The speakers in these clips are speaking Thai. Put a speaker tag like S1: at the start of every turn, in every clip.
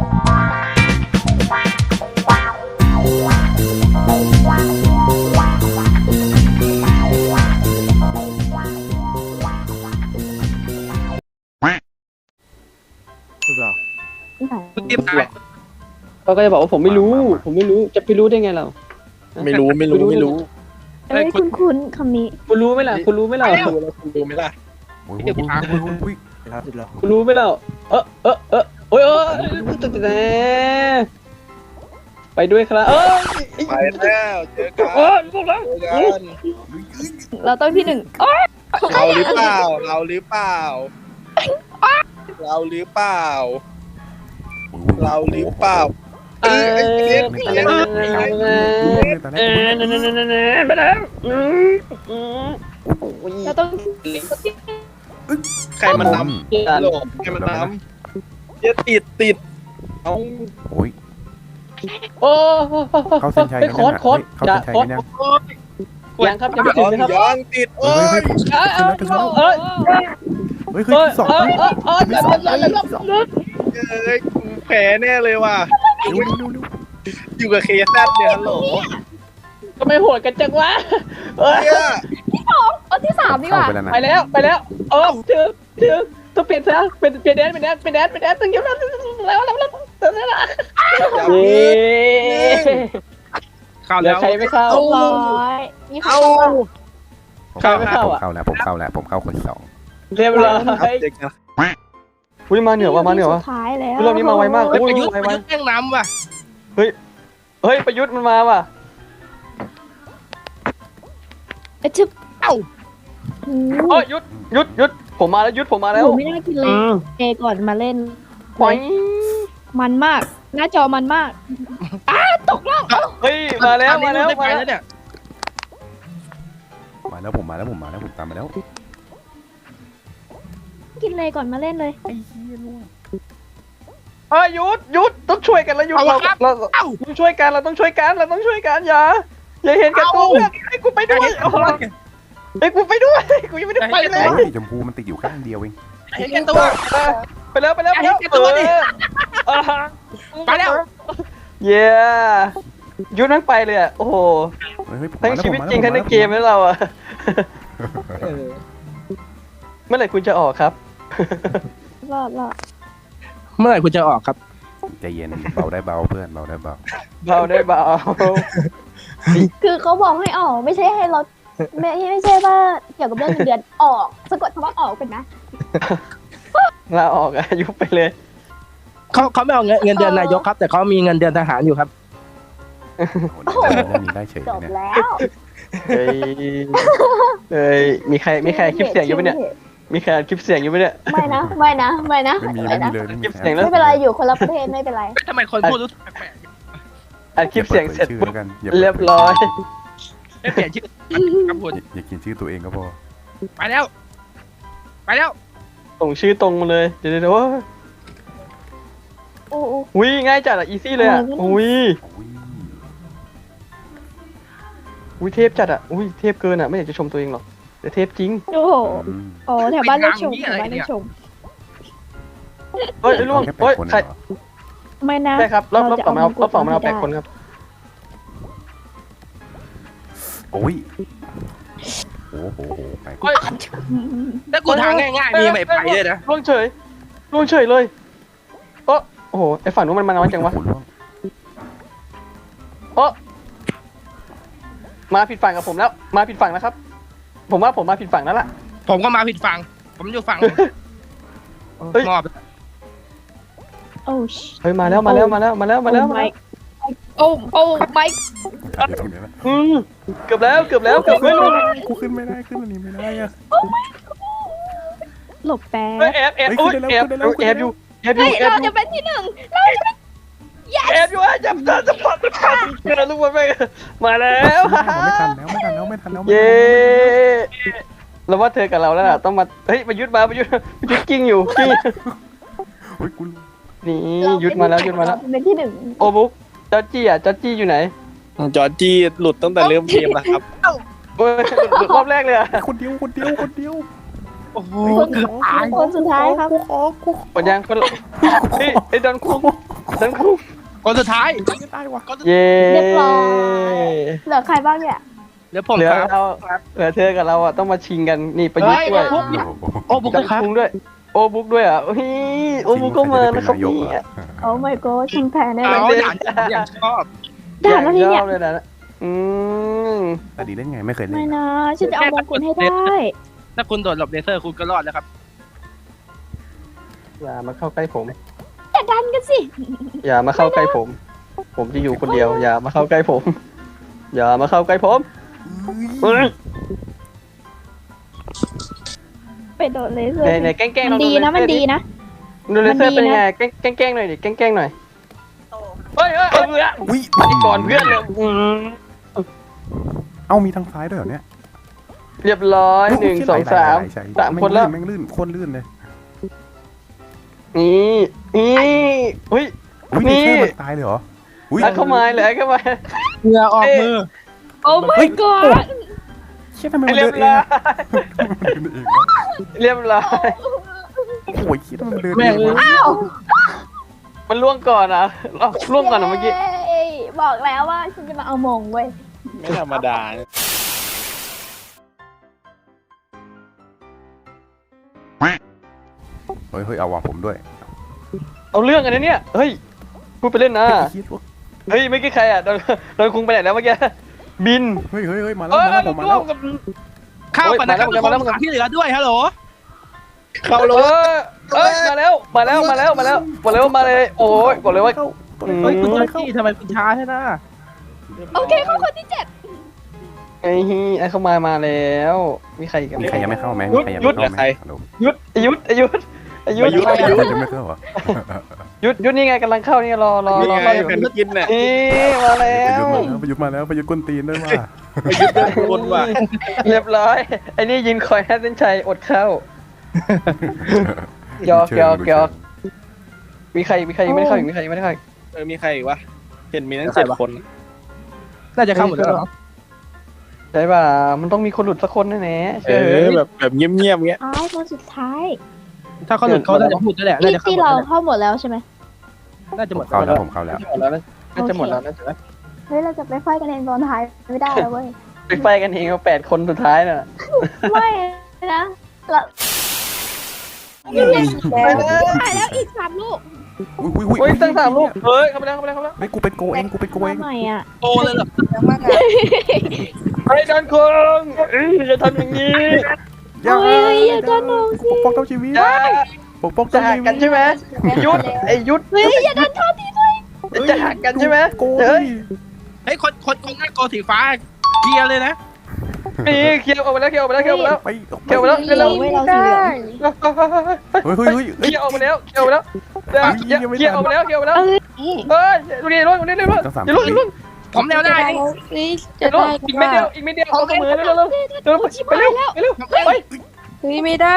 S1: เรียบร้อย
S2: เขาก็จะบอกว่าผมไม่รู้จะไปรู้ได้ไงเรา
S3: ไม่รู้
S4: เอ้ยคุ้นๆคำนี้
S2: คุณรู้ไหมล่ะคุณรู้ไหมล่ะ
S3: คุณรู้ไหมล่ะ
S5: โอ้ยโอ้ยโอ้ยโอ้ยโอ้ย
S2: คุณรู้ไหมล่ะโอ้ยไปด้วยครับ
S3: ไปแล้วเจอกัน
S2: พวกเรา
S3: เจอกัน
S4: เราต้องที่หนึ่งโอ๊ย
S3: เราหรือเปล่าเราหรือเปล่าเราหรือเปล่าเราหรือเปล่า
S2: ไปแล้ว
S4: เราต้อง
S3: ใครมันนำโลกใครมันนำอย่าติดเอา
S5: โอ้ย
S2: โอ้
S5: เข้าเส้นชัย
S2: โค้ด
S5: เข้าเส้นชัยกันยัง
S2: ยังครับยังไม่ถึงนะครับ
S3: ย้อนติดโอ้ย
S5: เฮ้ยขึ้นสอง
S3: แผลแน่เลยว่ะอยู่กับเคแซดเนี่ยฮัลโหล
S2: ทำไมโหดกันจังวะ
S3: เนี่ย
S4: เอาที่สามดีกว่า
S2: ไปแล้วถึงต้องเปลี่ยนซะเป็นแดนตึงเยอะแล้ว
S3: เข้าแล้ว
S2: ใครไม่เข้า
S4: ร้อยนี่เขา
S2: ใครไม่เข้าอ่ะ
S5: ผมเข้าคนสอง
S2: เรียบร้อยอุ้ยมาเหนือวะ
S4: สุดท้ายแล้ว
S2: เรื่องนี้มาไวมาก
S3: ประยุทธ์แม่งน้ำว่ะ
S2: เฮ้ยประยุทธ์มันมาว่ะ
S4: ชึบ
S3: เอ้า
S2: โอ้ยหยุดผมมาแล้วผมมาแล้ว
S4: ไม่น่ากินเลยเอก่อนมาเล่น
S2: ปล่อย
S4: มันมาก หน้าจอมันมากตกล่อง
S2: เฮ้ยมาแล้ว
S3: ไปแล้วเนี่ย
S5: มาแล้วผมตามมาแล้ว
S4: กินเลยก่อนมาเล่นเลย
S2: หยุดต้องช่วยกันแล้วหยุดเราต้องช่วยกันเราต้องช่วยกันอย่าเห็นกันตัวเพื่อนให้กูไปด้วยให้กูไปด้วยกูยังไม่ได้ไปเลย
S5: โอ้ยชมพูมันติดอยู่ข้างเดียวเอง
S3: เห็นแก่ตัว
S2: ไปแล้ว
S3: ไปแล้ว
S2: เย้ยุดนั่งไปเลยอ่ะโอ้โหทั้งชีวิตจริงทั้งในเกมแล้วเราอ่ะเมื่อไหร่คุณจะออกครับ
S4: รอด
S3: เมื่อไหร่คุณจะออกครับ
S5: ใจเย็นเบาได้เบาเพื่อนเบาได้เบา
S2: เบาได้เบา
S4: คือเขาบอกให้ออกไม่ใช่ให้เราไม่ใช่ว่าเกี่ยวกับเรื่องเงินเดือนออกสะกดคำว่าออกเป็นนะ
S2: ลาออกยุบไปเลย
S3: เขาไม่เอาเงินเดือนนายกครับ แต่เขามีเงินเดือนทหารอยู่ครับ
S5: เรื่องนี้ได้เฉย
S4: จบ
S5: เนี่ย
S4: แล้ว
S2: เฮ้ยมีใครคลิปเสียงอยู่ปะเนี่ยมีใครคลิปเสียงอยู่ปะเนี่ย
S4: ไม่นะ
S5: ไม่มีเลย
S4: ไม่เป็นไรอยู่คนละประเทศไม่เป็นไร
S3: ทำไมคนพูดรู้สึกแปลก
S2: อัดคลิปเสียงเสร็จปุ๊บ
S5: อย่า
S2: เรียบร้อย
S3: ๆไม่เปลี่ยนชื่อครับคุณ
S5: อย่ากินชื่อตัวเองก็พอ
S3: ไปแล้ว
S2: ส่งชื่อตรงมาเลยเดี๋ยวอุ้ยง่ายจัดอ่ะอีซี่เลยอ่ะอุ้ยเทพจัดอ่ะอุ้ยเทพเกินอ่ะไม่อยากจะชมตัวเองหรอกแต่เทพจริง
S4: โอ้โหโอ้แถวบ้านเล่นชม
S2: เฮ้ยล่วงเฮ้ยใคร
S4: ไม่นะ
S2: ใช่ครับรอบสองมาเอา8 คนครับ
S5: โอ้ยโอ้โหไป
S3: ถ้ากูทางง่ายๆมีไม่ไปเลยนะ
S2: ล่วงเฉยเลยโอ้โหไอฝั่งนู้นมันน้อยจังวะมาผิดฝั่งกับผมแล้วมาผิดฝั่งแล้วครับผมว่าผมมาผิดฝั่งแล้วล่ะ
S3: ผมก็มาผิดฝั่งผมอยู่ฝั่งมอบ
S2: เฮ้ยมาแล้วโอ้ไม่เกือบแล้วไม่รู้
S5: กูขึ้นไม่ได้ขึ้นอันนี้ไม่ได้อะ
S4: หลบแป๊บ
S2: แอบอยู่
S4: เราจะเป็นที่หนึ่งเราจะเป็น
S2: แอบอยู่จับลูกมันไปมาแล้ว
S5: ไม่ทันแล้ว
S2: เย้เราว่าเธอกับเราแล้วล่ะต้องมาเฮ้ยประยุทธ์กิ้งอยู่นี่ยุทธมาแล้ว
S4: เป็นที่หนึ่ง
S2: โอบุ๊กจอร์จี้อยู่ไหน
S3: จอร์จี้หลุดตั้งแต่เริ่มเกมแล้วครับ
S2: รอบแรกเลยอ่ะ
S5: คนเดียว
S3: โอ้โห
S4: คนสุดท้ายครับ
S2: หมดยังคนไอ้ดอนคุกดันคุง
S1: คนสุดท้าย
S5: ตายวะ
S2: เย้
S4: เรียบร้อย เหลือใครบ้างเนี่ย
S1: เดี๋ยวผม
S2: เหลือ
S1: ครับ
S2: เราเหลือเธอกับเราอ่ะต้องมาชิงกันนี่ประยุทธ์ด้วย
S1: โอ้บุก
S2: ดั
S1: เล
S2: น
S1: ยครับ
S2: คุงด้วย โอบุ๊กด้วยอ่ะโอ้ยโอบุ๊กก็มานะครับเนี่ย
S4: โอ้ my god ชิงแพ้แน่เล
S1: เอา
S4: ย
S1: อย่างชอบ
S4: ด่านแล้วทีเนี่ย
S2: ชอบเลยนะม
S5: แต่ดีเล่นไงไม่เคยเล่
S4: ไม่
S5: น
S4: นะฉันจะเอามงกุฎให้ได้
S1: ถ้าคุณโดดหลบเลเซอร์คุณก็รอดแล้วครับ
S2: อย่ามาเข้าใกล้ผม
S4: อย่าดันกันสิ
S2: อย่ามาเข้าใกล้ผม ผมจะอยู่คนเดียว อย่ามาเข้าใกล้ผม อย่ามาเข้าใกล้ผมเฮ้ย
S4: ไปโดดเลเซอร์
S2: ไหนแกล้งๆ
S4: มัน
S2: เรา
S4: ดีนะมันดีนะ
S2: ดูเลเซอร์
S4: มันดีนะ
S2: เป็นยังไงแกล้งๆหน่อยดิแกล้งๆหน่อยเฮ้ยเอาเพื่อน
S5: อุ้ย
S2: มาที่ก่อนเพื่อนเลย
S5: เอ้ามีทางซ้ายด้วยเหรอเนี่ย
S2: เรียบร้อย1 2 3 3คนแล้ว
S5: แม่งลื่นโคนลื่นเลย
S2: นี่เฮ้ย
S5: อุ้ย
S2: นี่
S5: เลเซอร์มันตายเลยเหรออุ้ย
S2: แล้วเข้ามาเลยเข้ามา
S1: เหงื่อออกมือ
S4: โอ้ my god
S5: เชี่ยทำไมมัน
S2: เรี
S5: เดิ
S2: ย
S5: น
S2: บ
S5: เอง
S2: ร้อย
S5: อะมันเดินเองวะ
S2: เรียบร้อย
S5: โอ้ยคิดว่ามันเดิน
S1: แม่
S5: เอง งวะ
S4: อ้าว
S2: มันล่วงก่อนอ่ะล่วงก่อนเมื่อกี้
S4: เย้บอกแล้วว่าฉันจะมาเอามงเว้ย
S3: ไม่ธรรมดา
S5: เฮ้ยเอาวางผมด้วย
S2: เอาเรื่องกันนะเนี่ยเฮ้ยพูดไปเล่นนะ
S5: คิดว่า
S2: เฮ้ยไม่อกี้ใครอ่ะโดนคุงไปไหนแล้วเมื่อกี้บิน
S5: เฮ้ยมาแล้วผมมาแล้ว
S1: เข้าไปนะครับ
S2: มาแล้ว
S1: คนที่เหลือด้วยฮัลโหล
S3: เข้า
S2: เอ
S3: รถ
S2: มาแล้วบอกเลยว่ามาเลยโอ้ยบอกเลยว่า
S1: เฮ้ยคุณเจ้าที่ทำไมคุณช้าใช่ไหม
S4: โอเคเข้าคนที่7
S2: ไอ้เข้ามาแล้วมีใครอีกัน
S5: มีใครยังไม่เข้าไหมมีใครยังไม่เข้าไหมฮัลโหล
S2: ยุด
S5: ยังไม่เข้าเหรอ
S2: ยุดนี่ไงกำลังเข้านี่รอ
S3: นี่ไง
S2: เข้าอยู่
S3: แผ่นกินเนี่ย
S2: นี่มาแล้ว
S5: ประยุทธ์มาแล้วประยุทธ์กวนตีนด้วยว่า
S3: ไปยึดเดินวนว่ะ
S2: เรียบร้อยไอ้นี่ยืนคอยให้เส้นชัยอดเข้าหยอกมีใครยังไม่ได้เข้าอีกมีใครยังไม่ได้เข้าอีก
S3: มีใครอีกวะเห็นมีทั้ง7 คน
S1: น่าจะเข้าหมดแล้ว
S2: ใช่ป่ะมันต้องมีคนหลุดสักคนแน่ๆเชื่อ
S3: แบบเงียบๆเงี้ย
S4: คนสุดท้าย
S1: ถ้าเขาหลุดเขาน่าจะพูดแล้วแหละน่าจะเข้า
S4: ที่
S1: หมด
S4: เรา
S1: แล้ว
S4: เข้าหมดแล้วใช่ไหม
S1: น่าจะหมด
S5: เข้าแล้วผมเข้าแล้ว
S2: หมดแล้วน่าจะหมดแล้วนะ
S4: เฮ้ยเราจะไปไฟกันเองตอนท้ายไม่ได้เว้ย
S2: ไปไฟกันเองเอา8 คนสุดท้ายน่ะ
S4: ไม่นะเรา
S2: ไปเลย
S4: ถ่ายแล้วอีก3 ลูก
S2: อุ้ยตั้ง3 ลูกเฮ้ยเข้าไปแล้ว
S5: เฮ้ยกูเป็นโกเอง
S4: มาใหม่อ่ะ
S1: โตเลยเหรอ
S2: ไอ้ดันคงจะทำอย่างนี้
S4: อย่าดันน้องสิ
S5: ปกป้องเจ้าชีวิต
S2: จะ
S5: ปกป้อง
S2: จะหักกันใช่ไหมยุดไอ้ยุด
S4: เฮ้ยอย่าดันท่อทีด้วย
S2: จะหักกันใช่ไหม
S5: โก
S2: เฮ้ย
S1: เฮ้ยคนหน้าโกสีฟ้าเกียร์เลยนะ
S2: นี่เคี่ยวออกไปแล้ว
S5: ไป
S2: เคี่ยวไปแล้วเร็ว
S4: เราสีเหลือง
S5: เฮ้ย
S2: เคี่ยวออกไปแล้วเคี่ยวออกไปแล้วเฮ้ยดูดิลุ้นลุ้น
S1: ผมแนวได้
S2: อีกไม่เดียวเอาเสมอเร็วไปเร็วไป
S6: ไม่ได้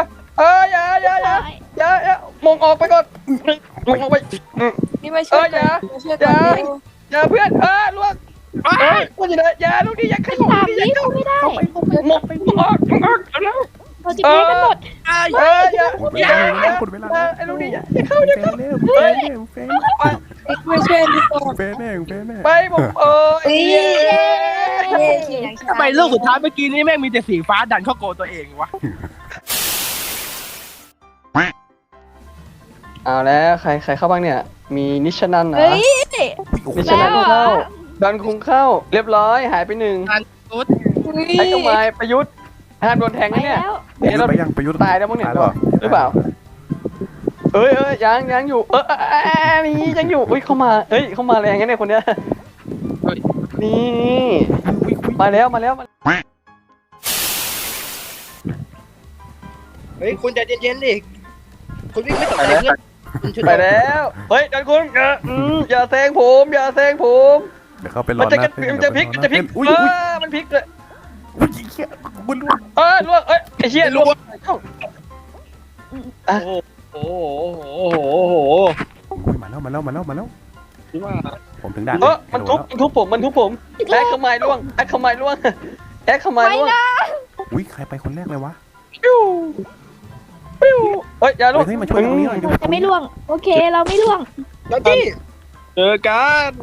S2: อย่ามองออกไปก่อนมองออกไป
S6: นี่ไม่ช่วยกันมาช่วยกันเร็ว
S2: อย่าเพื่อนล่วงก็จะได้อย่าลูกดิอย่าขยับ
S4: 3 วิเขาไม่ได้
S2: มองออกแล้ว
S4: เราจะแพ้กันหมด
S2: อย่าไอ้ลูกดิอย่าเข้า
S6: ไม่ช่วยดีกว่า
S5: แฟนแน่
S2: ไปผม
S1: ทำไมลูกสุดท้ายเมื่อกี้นี้แม่งมีแต่สีฟ้าดันเข้าโกตัวเองวะ
S2: เอาแล้วใครเข้าบ้างเนี่ยมีนิชนันนะ
S4: เฮ้ย
S2: นิชนันเข้าดันคุงเข้าเรียบร้อยหายไป1ไอ้กมายประยุทธ์ห้ามโดนแทงนะเนี่ย
S5: เราไปยังประยุทธ์
S2: ตายแล้วมั้งเนี่ยหรือเปล่ายังอยู่นี่ยังอยู่เข้ามาเข้ามาแรงงั้นเนี่ยคนเนี้ยนี่มาแล้ว
S1: เฮ้ยคุณใจเย็นๆดิคุณวิ่งไม่ตกใจเพื่อน
S2: ไปแล้วดันคุณอย่าแซงผม
S5: เดี๋ยวเขาไปรอ
S2: มันจะพลิกมันพลิกเลย
S5: อุ้ยเหี้ยบุญล่วง
S2: ล่วงไอ้เชี่ยล่วง
S3: โอ้โห
S5: มาแล้วผมถึงด่าน
S2: มันทุบผมแอคเข้ามาล่วง
S5: อุ้ยใครไปคนแรกเลยวะ
S2: อย่าล่วง
S5: เฮ้ยมาช่วยตรงนี้หน่อย
S4: จะไม่ล่วงโอเคเราไม่ล่วง
S1: จอร์จี้
S3: เจอกัน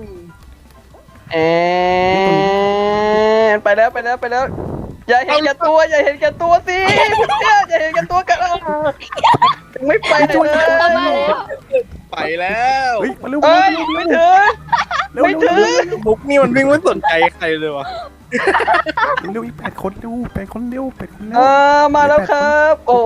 S2: ไปแล้วอย่าเห็นแก่ตัวสิเนี่ยอย่าเห็นแก่ตัวกันไม่ไปไหนเลย
S4: เอามาแล้ว
S3: ไปแล้ว
S5: เฮ้ยมาเร็ว
S2: เอ้ยไม่ถึง ไม่ถึง
S3: มุกนี่มันวิ่งไม่สนใจใครเลยวะ
S5: เร็วอีก8 คนเร็ว8 คนเร็ว8 คนเร็ว
S2: มาแล้วครับ โอ้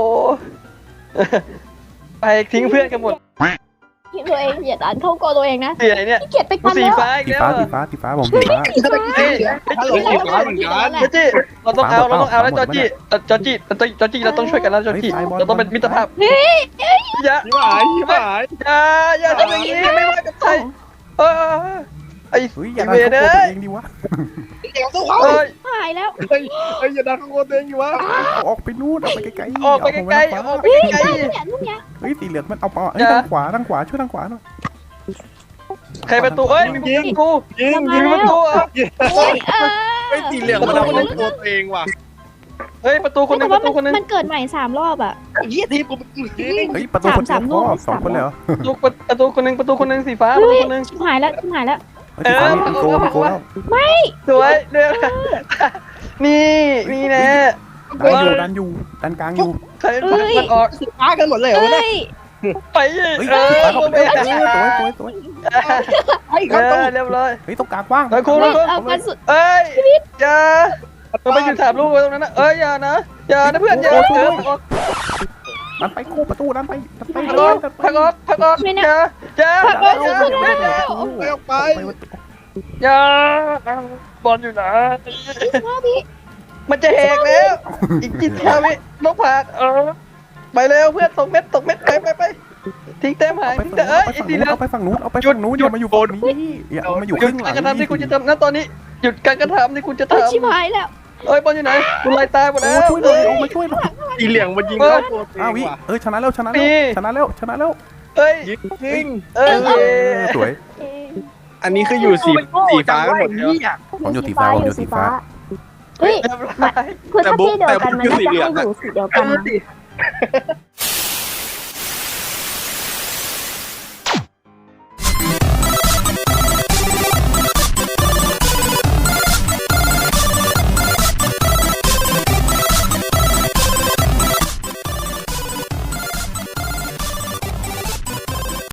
S2: ไปทิ้งเพื่อนกันหมด
S4: ที่ตัวเองอย่าดันเข้าโกตัวเองนะ
S2: เสียเนี่ย
S4: ขี้เกียจไป
S2: กู
S4: กัน
S2: สี
S4: แล้ว
S2: ฟ้าอีก
S5: สี
S2: แล้ว
S5: ฟ้า
S2: อะ
S5: สีฟ้าผมสีฟ้า
S2: เฮ้ย
S1: ฮัลโหลสีฟ้าเหมือนกัน
S2: จอร์จี้เราต้องเอาแล้วจอร์จี้เราต้องช่วยกันแล้วจอร์จี้เราต้องเป็นมิตรภาพอย่า
S3: พี่หมาย
S2: อย่าทำอย่างนี้ไม่ว่ากับใครไอ้
S5: เฮ้ยอย่า
S2: เว
S5: ดัน
S2: เน
S5: เข้าตัวเองดิวะ
S2: เอ้ย
S4: หายแล้ว
S3: เฮ้ยอย่าดันข้างบนตัวเองอยู่วะ
S5: ออกไปนู่นออกไปไกลๆ
S2: ออกไปไกลๆออกไปไกล
S4: เนี่ยลูกเนี้ย
S5: เฮ้ยสีเหลืองมันเอาปอเฮ้ยทางขวาช่วยทางขวาหน่อย
S2: ๆใครประตูเอ้ยมีกู
S3: ยิง
S2: มีประตูอ่ะ
S4: โอ้ย
S3: ไอ้สีเหลืองมันเอาข้างตัวตัวเองว่ะ
S2: เฮ้ยประตูคนนึ
S4: แต่
S2: งป
S4: ว่า
S2: ระตูคนนึง
S4: มันเกิดใหม่3 รอบอ่ะ
S1: เยี่ยทีกูยิง
S5: เฮ้ยประตูคนเดียวพอ2 คนเลยเหรอ
S2: ประตูคนนึงสีฟ้าประตูคนนึง
S4: ชิบหายแล้ว
S5: สีฟ้ามีโกแล้ว
S2: สวยเดือดนี่แน่
S5: ดันกลางอยู่
S2: ใครมันออก
S1: สีฟ้ากันหมดเลยเหรอ
S4: เฮ้
S1: เนี่ย
S4: ย
S2: ไป
S5: เฮ้ยสีฟ้าเข้าไปสวย
S1: ไอ้ครับตู้
S2: เรียบร้อย
S5: เฮ้ยตรงกลางว่าง
S2: คุณ
S4: เอากันสุด
S2: เอ้ยอย่าเราไปอยู่ถามลูกไว้ตรงนั้นนะเอ้ยอย่านะเพื่อนอย่า
S5: ดันไปโคประตูดันไป
S2: พักออกอย่า
S3: ออกไป
S2: อย่าบอลอยู่นะ
S4: พี่
S2: มันจะแหกแล้วอีกกี่ทาวินกผากไปเร็วเพื่อนตกเม็ดไปทิ้งแต้มหายทิ้งแต่ไอ้สีเหลือง
S5: เอาไปฝั่งนู้นอย่ามาอยู่บนนี้อย่ามาอยู่
S2: หยุ
S5: ข้า
S2: ด
S5: งหลั
S2: การกระทำที่คุณจะทำนะตอนนี้หยุดการกระทำที่คุณจะทำ
S4: ชิบหายแล้ว
S2: เอ้ยบอลอยู่ไหนคุณไล่ตายหมดแล้ว
S5: ช่วยหน่อยมาช่วยหน่อย
S3: สีเหลืองมันยิงเข้าตัวตัวเองว่ะ
S5: ชนะแล้วชนะแล้ว
S2: เอ้ย
S3: ยิง
S5: สวย
S3: อันนี้คืออยู่สีฟ้ากันหมดเลย
S5: ผมอยู่สีฟ้า
S4: เฮ้ย
S2: เรียบร้อย
S4: คือถ้าที่เดียวกันมันน่าจะให้อยู่สีเดียวกันนะ